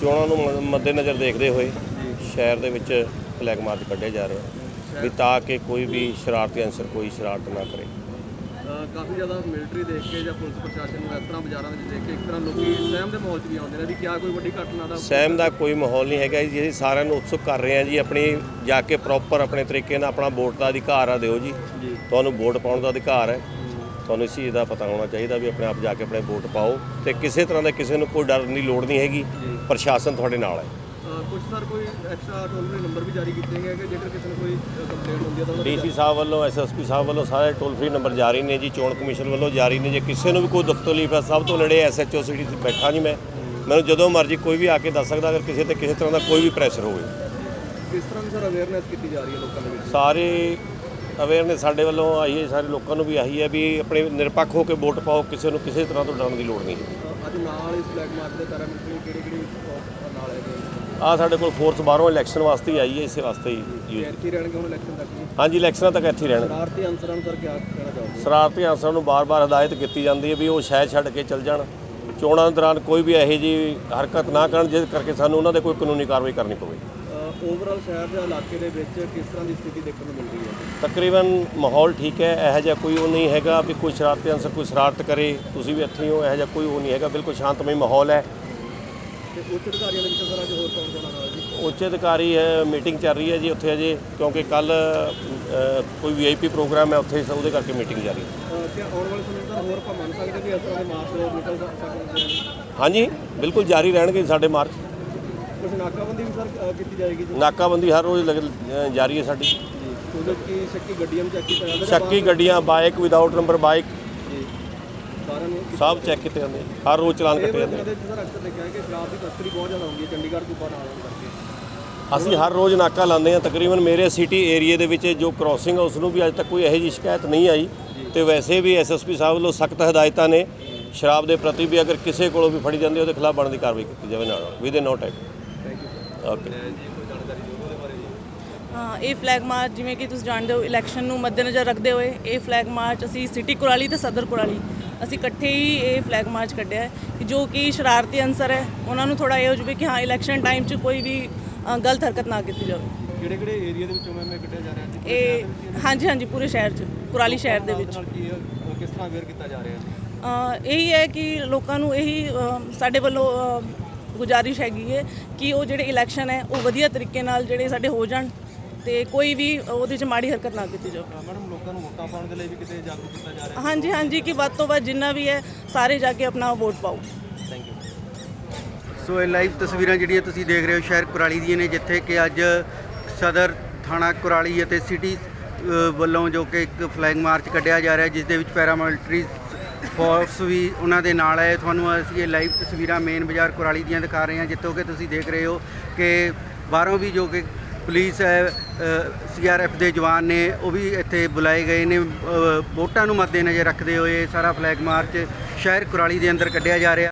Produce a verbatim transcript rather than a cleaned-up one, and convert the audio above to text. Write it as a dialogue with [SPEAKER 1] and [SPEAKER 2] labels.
[SPEAKER 1] ਚੋਣਾਂ ਨੂੰ ਮ- ਮੱਦੇਨਜ਼ਰ ਦੇਖਦੇ ਹੋਏ ਸ਼ਹਿਰ ਦੇ ਵਿੱਚ ਫਲੈਗ ਮਾਰਚ ਕੱਢਿਆ ਜਾ ਰਿਹਾ ਵੀ ਤਾਂ ਕਿ ਕੋਈ ਵੀ ਸ਼ਰਾਰਤੀ ਅਨਸਰ ਕੋਈ ਸ਼ਰਾਰਤ ਨਾ ਕਰੇ।
[SPEAKER 2] ਕਾਫੀ ਜ਼ਿਆਦਾ ਮਿਲਟਰੀ ਦੇਖ ਕੇ ਜਾਂ ਪੁਲਿਸ ਪ੍ਰਸ਼ਾਸਨ ਨੂੰ ਇਸ ਤਰ੍ਹਾਂ ਬਾਜ਼ਾਰਾਂ ਵਿੱਚ ਦੇਖ ਕੇ ਇੱਕ ਤਰ੍ਹਾਂ ਲੋਕੀ ਸਹਿਮ ਦੇ ਮਾਹੌਲ 'ਚ ਵੀ ਆਉਂਦੇ ਨੇ ਵੀ ਕਿਆ ਕੋਈ ਵੱਡੀ ਘਟਨਾ ਦਾ
[SPEAKER 1] ਸਹਿਮ ਦਾ ਕੋਈ ਮਾਹੌਲ ਨਹੀਂ ਹੈਗਾ ਜੀ। ਅਸੀਂ ਸਾਰਿਆਂ ਨੂੰ ਉਤਸੁਕ ਕਰ ਰਹੇ ਹਾਂ ਜੀ, ਆਪਣੀ ਜਾ ਕੇ ਪ੍ਰੋਪਰ ਆਪਣੇ ਤਰੀਕੇ ਨਾਲ ਆਪਣਾ ਵੋਟ ਦਾ ਅਧਿਕਾਰ ਆ ਦਿਓ ਜੀ। ਤੁਹਾਨੂੰ ਵੋਟ ਪਾਉਣ ਦਾ ਅਧਿਕਾਰ ਹੈ, ਤੁਹਾਨੂੰ ਇਸ ਚੀਜ਼ ਦਾ ਪਤਾ ਹੋਣਾ ਚਾਹੀਦਾ ਵੀ ਆਪਣੇ ਆਪ ਜਾ ਕੇ ਆਪਣੇ ਵੋਟ ਪਾਓ ਤੇ ਕਿਸੇ ਤਰ੍ਹਾਂ ਦਾ ਕਿਸੇ ਨੂੰ ਕੋਈ ਡਰਨ ਦੀ ਲੋੜ ਨਹੀਂ ਹੈਗੀ। ਪ੍ਰਸ਼ਾਸਨ ਤੁਹਾਡੇ ਨਾਲ ਹੈ।
[SPEAKER 2] ਕੁਝ ਸਰ ਕੋਈ ਐਕਸਟਰਾ ਟੋਲ ਫ੍ਰੀ ਨੰਬਰ ਵੀ ਜਾਰੀ ਕੀਤੇ ਗਏ ਕਿ ਜੇਕਰ ਕਿਸੇ ਨੂੰ ਕੋਈ ਕੰਪਲੇਂਟ ਹੁੰਦੀ ਹੈ ਤਾਂ
[SPEAKER 1] ਡੀ ਸੀ ਸਾਹਿਬ ਵੱਲੋਂ, ਐਸ ਐਸ ਪੀ ਸਾਹਿਬ ਵੱਲੋਂ ਸਾਰੇ ਟੋਲ ਫ੍ਰੀ ਨੰਬਰ ਜਾਰੀ ਨੇ ਜੀ। ਚੋਣ ਕਮਿਸ਼ਨ ਵੱਲੋਂ ਜਾਰੀ ਨੇ। ਜੇ ਕਿਸੇ ਨੂੰ ਵੀ ਕੋਈ ਦੁੱਖ ਤਕਲੀਫ ਹੈ, ਸਭ ਤੋਂ ਨੇੜੇ ਐਸ ਐਚ ਓ ਸਿਟੀ 'ਚ ਬੈਠਾ ਜੀ ਮੈਂ, ਮੈਨੂੰ ਜਦੋਂ ਮਰਜ਼ੀ ਕੋਈ ਵੀ ਆ ਕੇ ਦੱਸ ਸਕਦਾ ਅਗਰ ਕਿਸੇ ਤੇ ਕਿਸੇ ਤਰ੍ਹਾਂ ਦਾ ਕੋਈ ਵੀ ਪ੍ਰੈਸ਼ਰ ਹੋਵੇ।
[SPEAKER 2] ਕਿਸ ਤਰ੍ਹਾਂ ਦੀ ਸਰ ਅਵੇਅਰਨੈਸ ਕੀਤੀ ਜਾ ਰਹੀ ਹੈ ਲੋਕਾਂ ਦੇ ਵਿੱਚ?
[SPEAKER 1] ਸਾਰੇ ਅਵੇਅਰਨੈਸ ਸਾਡੇ ਵੱਲੋਂ ਆਈ ਹੈ, ਸਾਰੇ ਲੋਕਾਂ ਨੂੰ ਵੀ ਆਹੀ ਹੈ ਵੀ ਆਪਣੇ ਨਿਰਪੱਖ ਹੋ ਕੇ ਵੋਟ ਪਾਓ, ਕਿਸੇ ਨੂੰ ਕਿਸੇ ਤਰ੍ਹਾਂ ਤੋਂ ਡਰਨ ਦੀ ਲੋੜ ਨਹੀਂ ਹੈ।
[SPEAKER 2] ਅੱਜ ਨਾਲ ਇਸ ਫਲੈਗ ਮਾਰਚ ਦੇ ਪੈਰਾਮਿਲਟਰੀ ਕਿਹੜੀ ਕਿਹੜੀ ਨਾਲ ਹੈਗੇ?
[SPEAKER 1] ਆ ਸਾਡੇ ਕੋਲ ਫੋਰਸ ਬਾਹਰੋਂ ਇਲੈਕਸ਼ਨ ਵਾਸਤੇ ਹੀ ਆਈ ਹੈ, ਇਸੇ ਵਾਸਤੇ ਹੀ ਯੂਜ਼।
[SPEAKER 2] ਇੱਥੇ ਰਹਿਣਗੇ ਹੁਣ ਇਲੈਕਸ਼ਨ ਤੱਕ ਜੀ?
[SPEAKER 1] ਹਾਂਜੀ, ਇਲੈਕਸ਼ਨਾਂ ਤੱਕ ਇੱਥੇ ਹੀ ਰਹਿਣਗੇ।
[SPEAKER 2] ਸ਼ਰਾਰਤੀ ਅਨਸਰਾਂ ਨੂੰ ਸਰ ਕਿਆ ਕਹਿਣਾ ਚਾਹੋਗੇ?
[SPEAKER 1] ਸ਼ਰਾਰਤੀ ਅਨਸਰਾਂ ਨੂੰ ਬਾਰ-ਬਾਰ ਹਦਾਇਤ ਕੀਤੀ ਜਾਂਦੀ ਹੈ ਵੀ ਉਹ ਸ਼ਹਿਰ ਛੱਡ ਕੇ ਚੱਲ ਜਾਣ। ਚੋਣਾਂ ਦੌਰਾਨ ਕੋਈ ਵੀ ਇਹੋ ਜਿਹੀ ਹਰਕਤ ਨਾ ਕਰਨ ਜਿਸ ਕਰਕੇ ਸਾਨੂੰ ਉਹਨਾਂ ਦੇ ਕੋਈ ਕਾਨੂੰਨੀ ਕਾਰਵਾਈ ਕਰਨੀ ਪਵੇ।
[SPEAKER 2] ਓਵਰਆਲ ਸ਼ਹਿਰ ਦੇ ਇਲਾਕੇ ਦੇ ਵਿੱਚ ਕਿਸ ਤਰ੍ਹਾਂ ਦੀ ਸਥਿਤੀ ਦੇਖਣ ਨੂੰ ਮਿਲ ਰਹੀ ਹੈ?
[SPEAKER 1] ਤਕਰੀਬਨ ਮਾਹੌਲ ਠੀਕ ਹੈ। ਇਹੋ ਜਿਹਾ ਕੋਈ ਉਹ ਨਹੀਂ ਹੈਗਾ ਵੀ ਕੋਈ ਸ਼ਰਾਰਤੀ ਅਨਸਰ ਕੋਈ ਸ਼ਰਾਰਤ ਕਰੇ। ਤੁਸੀਂ ਵੀ ਇੱਥੇ ਹੋ, ਇਹੋ ਜਿਹਾ ਕੋਈ ਉਹ ਨਹੀਂ ਹੈਗਾ। ਬਿਲਕੁਲ ਸ਼ਾਂਤਮਈ ਮਾਹੌਲ ਹੈ।
[SPEAKER 2] ਤੇ ਉੱਚ ਅਧਿਕਾਰੀਆਂ ਦੇ ਵਿੱਚ ਸਰ ਅੱਜ ਹੋਰ ਕੌਣ ਕੌਣ ਨਾਲ ਜੀ?
[SPEAKER 1] ਉੱਚ ਅਧਿਕਾਰੀ ਹੈ, ਮੀਟਿੰਗ ਚੱਲ ਰਹੀ ਹੈ ਜੀ ਉੱਥੇ ਅਜੇ, ਕਿਉਂਕਿ ਕੱਲ ਕੋਈ ਵੀ ਆਈ ਪੀ ਪ੍ਰੋਗਰਾਮ ਹੈ ਉੱਥੇ, ਉਹਦੇ ਕਰਕੇ ਮੀਟਿੰਗ ਜਾਰੀ ਹੈ।
[SPEAKER 2] ਕਿ ਆਉਣ ਵਾਲੇ ਸਮੇਂ ਸਰ ਹੋਰ ਆਪਾਂ ਮੰਨ ਸਕਦੇ ਕਿ ਇਸ ਤਰ੍ਹਾਂ ਦੇ ਮਾਰਚ ਹੋਰ ਨਿਕਲ ਸਕਦੇ ਨੇ?
[SPEAKER 1] ਹਾਂਜੀ, ਬਿਲਕੁਲ ਜਾਰੀ ਰਹਿਣਗੇ ਸਾਡੇ ਮਾਰਚ।
[SPEAKER 2] ਕੁਝ ਨਾਕਾਬੰਦੀ ਵੀ ਸਰ ਕੀਤੀ ਜਾਏਗੀ ਜੀ?
[SPEAKER 1] ਨਾਕਾਬੰਦੀ ਹਰ ਰੋਜ਼ ਲਗ- ਅ, ਜਾਰੀ ਹੈ ਸਾਡੀ।
[SPEAKER 2] ਜੀ ਉਹਦੇ ਕੀ ਸ਼ੱਕੀ ਗੱਡੀਆਂ ਵੀ ਚੈੱਕ ਕੀਤਾ ਜਾਂਦਾ?
[SPEAKER 1] ਸ਼ੱਕੀ ਗੱਡੀਆਂ, ਬਾਈਕ, ਵਿਦਆਊਟ ਨੰਬਰ ਬਾਈਕ,
[SPEAKER 2] ਜੀ ਸਾਰਿਆਂ ਨੂੰ
[SPEAKER 1] ਸਭ ਚੈੱਕ ਕੀਤੇ ਜਾਂਦੇ, ਹਰ ਰੋਜ਼ ਚਲਾਨ ਕੱਟੇ ਜਾਂਦੇ।
[SPEAKER 2] ਇਹਦੇ ਵਿੱਚ ਸਰ ਅਕਸਰ ਦੇਖਿਆ ਕਿ ਸ਼ਰਾਬ ਦੀ ਤਸਕਰੀ ਬਹੁਤ ਜ਼ਿਆਦਾ ਹੁੰਦੀ ਹੈ ਚੰਡੀਗੜ੍ਹ ਤੋਂ ਬਾਹਰ ਆਉਣ ਕਰਕੇ।
[SPEAKER 1] ਅਸੀਂ ਹਰ ਰੋਜ਼ ਨਾਕਾ ਲਾਉਂਦੇ ਹਾਂ। ਤਕਰੀਬਨ ਮੇਰੇ ਸਿਟੀ ਏਰੀਏ ਦੇ ਵਿੱਚ ਜੋ ਕ੍ਰੋਸਿੰਗ ਹੈ ਉਸ ਨੂੰ ਵੀ ਅੱਜ ਤੱਕ ਕੋਈ ਇਹੋ ਜਿਹੀ ਸ਼ਿਕਾਇਤ ਨਹੀਂ ਆਈ। ਤੇ ਵੈਸੇ ਵੀ ਐਸ ਐਸ ਪੀ ਸਾਹਿਬ ਵੱਲੋਂ ਸਖਤ ਹਦਾਇਤਾਂ ਨੇ ਸ਼ਰਾਬ ਦੇ ਪ੍ਰਤੀ ਵੀ ਅਗਰ ਕਿਸੇ ਕੋਲੋਂ ਵੀ ਫੜੀ ਜਾਂਦੀ ਉਹਦੇ ਖਿਲਾਫ ਬਣਦੀ ਕਾਰਵਾਈ ਕੀਤੀ ਜਾਵੇ ਨਾਲ with in no time.
[SPEAKER 2] Thank you.
[SPEAKER 1] Okay.
[SPEAKER 3] ਹਾਂ, ਇਹ ਫਲੈਗ ਮਾਰਚ ਜਿਵੇਂ ਕਿ ਤੁਸੀਂ ਜਾਣਦੇ ਹੋ ਇਲੈਕਸ਼ਨ ਨੂੰ ਮੱਦੇਨਜ਼ਰ ਰੱਖਦੇ ਹੋਏ ਇਹ ਫਲੈਗ ਮਾਰਚ ਅਸੀਂ ਸਿਟੀ ਕੁਰਾਲੀ ਤੇ ਸਦਰ ਕੁਰਾਲੀ ਅਸੀਂ ਇਕੱਠੇ ਹੀ ਇਹ ਫਲੈਗ ਮਾਰਚ ਕੱਢਿਆ ਹੈ ਕਿ ਜੋ ਕਿ ਸ਼ਰਾਰਤੀ ਅਨਸਰ ਹੈ ਉਹਨਾਂ ਨੂੰ ਥੋੜ੍ਹਾ ਇਹ ਹੋ ਜਾਵੇ ਕਿ ਹਾਂ ਇਲੈਕਸ਼ਨ ਟਾਈਮ 'ਚ ਕੋਈ ਵੀ ਅ, ਗਲਤ ਹਰਕਤ ਨਾ ਕੀਤੀ ਜਾਵੇ।
[SPEAKER 2] ਕਿਹੜੇ ਕਿਹੜੇ ਏਰੀਆ ਦੇ ਵਿੱਚੋਂ ਮੈਂ ਮੈਂ ਕੱਢਿਆ ਜਾ ਰਿਹਾ ਜੀ?
[SPEAKER 3] ਇਹ ਹਾਂਜੀ ਹਾਂਜੀ ਪੂਰੇ ਸ਼ਹਿਰ 'ਚ, ਕੁਰਾਲੀ ਸ਼ਹਿਰ ਦੇ ਵਿੱਚ।
[SPEAKER 2] ਨਾਲ ਕੀ ਅ, ਕਿਸ ਤਰ੍ਹਾਂ ਅਵੇਅਰ ਕੀਤਾ ਜਾ ਰਿਹਾ ਹੈ?
[SPEAKER 3] ਅ, ਇਹੀ ਹੈ ਕਿ ਲੋਕਾਂ ਨੂੰ ਇਹੀ ਅ, ਸਾਡੇ ਵੱਲੋਂ ਅ, ਗੁਜ਼ਾਰਿਸ਼ ਹੈਗੀ ਹੈ ਕਿ ਉਹ ਜਿਹੜੇ ਇਲੈਕਸ਼ਨ ਹੈ ਉਹ ਵਧੀਆ ਤਰੀਕੇ ਨਾਲ ਜਿਹੜੇ ਸਾਡੇ ਹੋ ਜਾਣ ਤੇ ਕੋਈ ਵੀ ਉਹਦੇ 'ਚ ਮਾੜੀ ਹਰਕਤ ਨਾ ਕੀਤੀ ਜਾਵੇ।
[SPEAKER 2] ਮੈਡਮ ਲੋਕਾਂ ਨੂੰ ਵੋਟਾਂ ਪਾਉਣ ਦੇ ਲਈ ਵੀ ਕਿਤੇ ਜਾਗਰੂਕ ਕੀਤਾ ਜਾ ਰਿਹਾ?
[SPEAKER 3] ਹਾਂਜੀ ਹਾਂਜੀ ਕਿ ਵੱਧ ਤੋਂ ਵੱਧ ਜਿੰਨਾ ਵੀ ਹੈ ਸਾਰੇ ਜਾ ਕੇ ਆਪਣਾ ਵੋਟ ਪਾਓ।
[SPEAKER 2] Thank you.
[SPEAKER 4] ਸੋ ਇਹ ਲਾਈਵ ਤਸਵੀਰਾਂ ਜਿਹੜੀਆਂ ਤੁਸੀਂ ਦੇਖ ਰਹੇ ਹੋ ਸ਼ਹਿਰ ਕੁਰਾਲੀ ਦੀਆਂ ਨੇ, ਜਿੱਥੇ ਕਿ ਅੱਜ ਸਦਰ ਥਾਣਾ ਕੁਰਾਲੀ ਅਤੇ ਸਿਟੀ ਅ, ਵੱਲੋਂ ਜੋ ਕਿ ਇੱਕ ਫਲੈਗ ਮਾਰਚ ਕੱਢਿਆ ਜਾ ਰਿਹਾ, ਜਿਸ ਦੇ ਵਿੱਚ ਪੈਰਾਮਿਲਟਰੀ ਫੋਰਸ ਵੀ ਉਹਨਾਂ ਦੇ ਨਾਲ ਹੈ। ਤੁਹਾਨੂੰ ਅਸੀਂ ਇਹ ਲਾਈਵ ਤਸਵੀਰਾਂ ਮੇਨ ਬਾਜ਼ਾਰ ਕੁਰਾਲੀ ਦੀਆਂ ਦਿਖਾ ਰਹੇ ਹਾਂ, ਜਿੱਥੋਂ ਕਿ ਤੁਸੀਂ ਦੇਖ ਰਹੇ ਹੋ ਕਿ ਬਾਹਰੋਂ ਵੀ ਜੋ ਕਿ ਪੁਲਿਸ ਹੈ, ਸੀ ਆਰ ਐਫ ਦੇ ਜਵਾਨ ਨੇ, ਉਹ ਵੀ ਇੱਥੇ ਬੁਲਾਏ ਗਏ ਨੇ। ਅ, ਵੋਟਾਂ ਨੂੰ ਮੱਦੇਨਜ਼ਰ ਰੱਖਦੇ ਹੋਏ ਸਾਰਾ ਫਲੈਗ ਮਾਰਚ ਸ਼ਹਿਰ ਕੁਰਾਲੀ ਦੇ ਅੰਦਰ ਕੱਢਿਆ ਜਾ ਰਿਹਾ।